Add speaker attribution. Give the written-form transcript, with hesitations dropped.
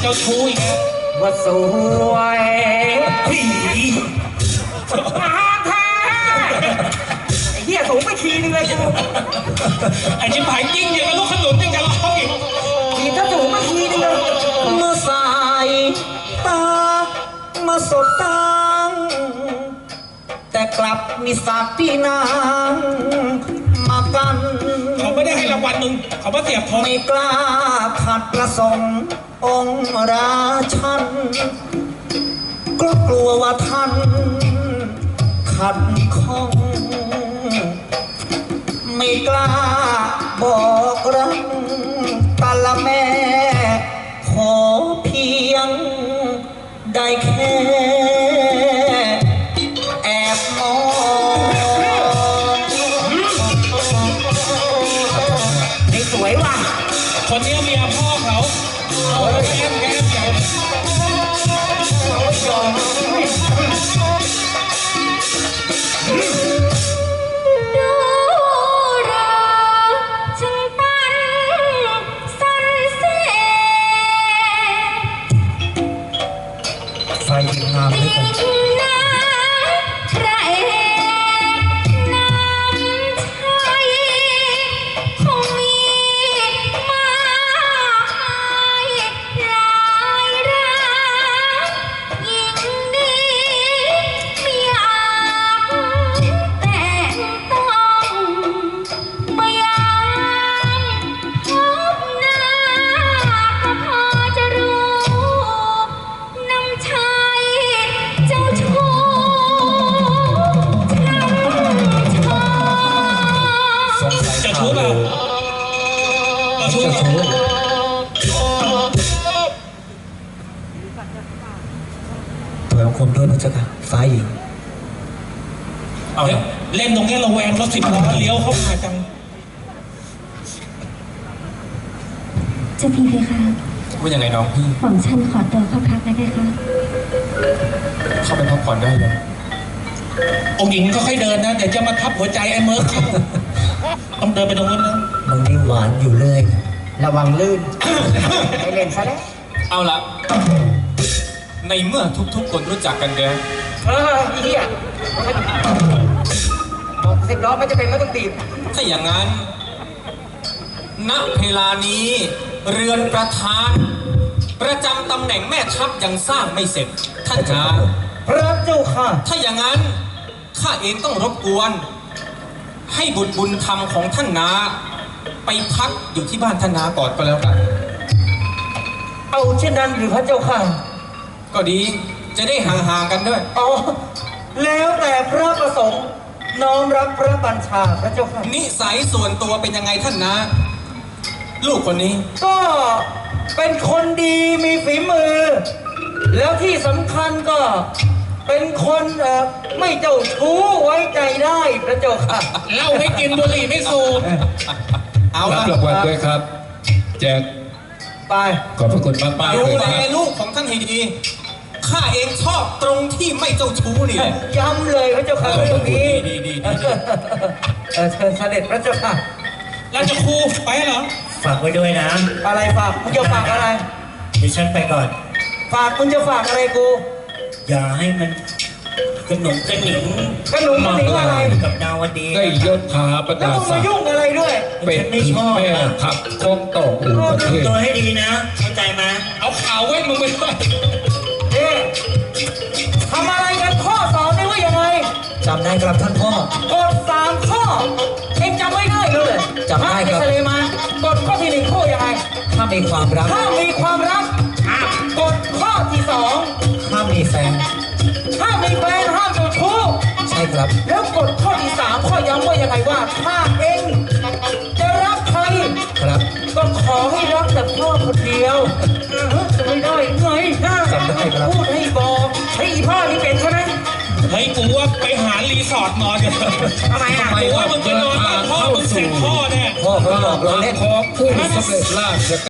Speaker 1: จ้าชู้อีกแล้ว
Speaker 2: ว่าสวยผีมาแท้ไอ้เหี้ยสูงไปทีนึงเลยกู
Speaker 1: ไอ้ชิบหายจริงอย่างกับลูกขนุนยังจะร้องอีก
Speaker 2: ทีถ้าสูงไปทีนึงเลยเมื่อสายตามาสบตาแต่กลับมีสักพี่นางมากัน
Speaker 1: เขาไม่ได้ให้รางวัลมึงเขามาเสียบทอง
Speaker 2: ไม่กล้าขัดประสงค์องค์ราชันก็กลัวว่าท่านขัดข้องไม่กล้าบอกรักตาละแม่ขอเพียงได้แค่แอบมองนี่สวยว่ะ
Speaker 1: คนนี้เมียพ่อเขาแก้มใหญ่
Speaker 2: ไฟงามด้วยกันถอยคมด้วยพระเจ้าค่ะฟ้าหญิง
Speaker 1: เอาเล่นตรงนี้ระแวงรถ10 ล้อเลี้ยวเข้ามาจัง
Speaker 3: เจ้าพี่เพคะ
Speaker 4: ว่ายังไงน้องพี่
Speaker 3: ผมฉันขอตัวเข้าพักนะเพคะ
Speaker 4: เข้าไปพักผ่อนได้เลย
Speaker 1: องค์หญิงก็ค่อยเดินนะเดี๋ยวจะมาทับหัวใจไอ้เมิร์กเข้าต้องเดินไปตรงนู้นนะ
Speaker 2: มึงนี่หวานอยู่เลยระวังลื่นไอเล่นซะแล้ว
Speaker 4: เอาละในเมื่อทุกคนรู้จักกันแล้ว
Speaker 2: เฮียบอก10 ล้อไม่จะเป็นไม่ต้องตีบ
Speaker 4: ถ้าอย่างนั้นณเวลานี้เรือนประธานประจำตำแหน่งแม่ทัพยังสร้างไม่เสร็จท่านนา
Speaker 2: พระเจ้าค่ะ
Speaker 4: ถ้าอย่างนั้นข้าเองต้องรบกวนให้บุญธรรมของท่านนาไปพักอยู่ที่บ้านท่านนาก่อนก็แล้วกัน
Speaker 2: เอาเช่นนั้นหรือพระเจ้าค่ะ
Speaker 4: ก็ดีจะได้ห่างๆกันด้วย
Speaker 2: อ๋อแล้วแต่พระประสงค์น้อมรับพระบัญชาพระเจ้าค่ะ
Speaker 4: นิสัยส่วนตัวเป็นยังไงท่านนะลูกคนนี้
Speaker 2: ก็เป็นคนดีมีฝีมือแล้วที่สำคัญก็เป็นคนไม่เจ้าชู้ไว้ใจได้พระเจ้าค่ะ
Speaker 1: เล่าให้กินบุหรี่ไม่สูบ
Speaker 4: เอา
Speaker 5: รับรางวัลด้วยครับแจ็ค
Speaker 2: ไป
Speaker 5: ขอบพระคุณมากๆ
Speaker 4: ดูแลลูกของท่านให้ดีข้าเองชอบตรงที่ไม่เจ้าชู้นี่แหละ
Speaker 2: ย้ำเลยพระเจ้าค่ะเรื่องนี้
Speaker 4: ดี
Speaker 2: เชิญเสด็จพระเจ้าค่ะ
Speaker 1: ราชครูไปเหรอ
Speaker 6: ฝากไว้ด้วยนะ
Speaker 2: อะไรฝากมึงจะฝากอะไร
Speaker 6: ดิฉันไปก่อน
Speaker 2: ฝากมึงจะฝากอะไรกู
Speaker 6: อย่าให้มันกระหนุ่มกระหนิง
Speaker 2: อะไร
Speaker 6: กับดาวดี
Speaker 5: ได้ยศถาบรรดาศักดิ์
Speaker 2: แล้วมึงมายุ่งอะไรด้วย
Speaker 5: เป็นแม่ทัพของต่ออู่ประเทศ
Speaker 6: ตัวให้ดีนะเข้าใจไหม
Speaker 1: เอาข่าวเว้นมึงไปด้วย
Speaker 2: ทำอะไรกันข้อสอบได้ว่ายังไง
Speaker 5: จำได้ครับท่านพ่อก
Speaker 2: ฎ3 ข้อเองจำไม่ได้เลย
Speaker 5: จำได้ครับ
Speaker 2: ทะเลมากฎข้อที่1ข้อยังไง
Speaker 5: ถ้ามีความรัก
Speaker 2: กฎข้อที่2
Speaker 5: ห้ามมีแฟน
Speaker 2: ห้ามเจ้าชู้
Speaker 5: ใช่ครับ
Speaker 2: แล้วกฎข้อที่3ข้อย้ำว่ายังไงว่าถ้าเองจะรักใคร
Speaker 5: ครับ
Speaker 2: ก็ขอให้รักแต่พ่อคนเดียวจะไม่ได้ไง
Speaker 5: จำได้ครับ
Speaker 2: พูดให้บอกให้พ่อนี่เป็นใช่ไหม
Speaker 1: เฮ้ยกูว่าไปหารีสอร์ทนอนเดี๋ยว
Speaker 2: ทำไม
Speaker 1: กูว่ามึงไปนอนบ้านพ่อมึงเสร็จพ่อแน่
Speaker 5: พ่อเขาหลอกเราเล่นพ่อผู้สำเร็จราช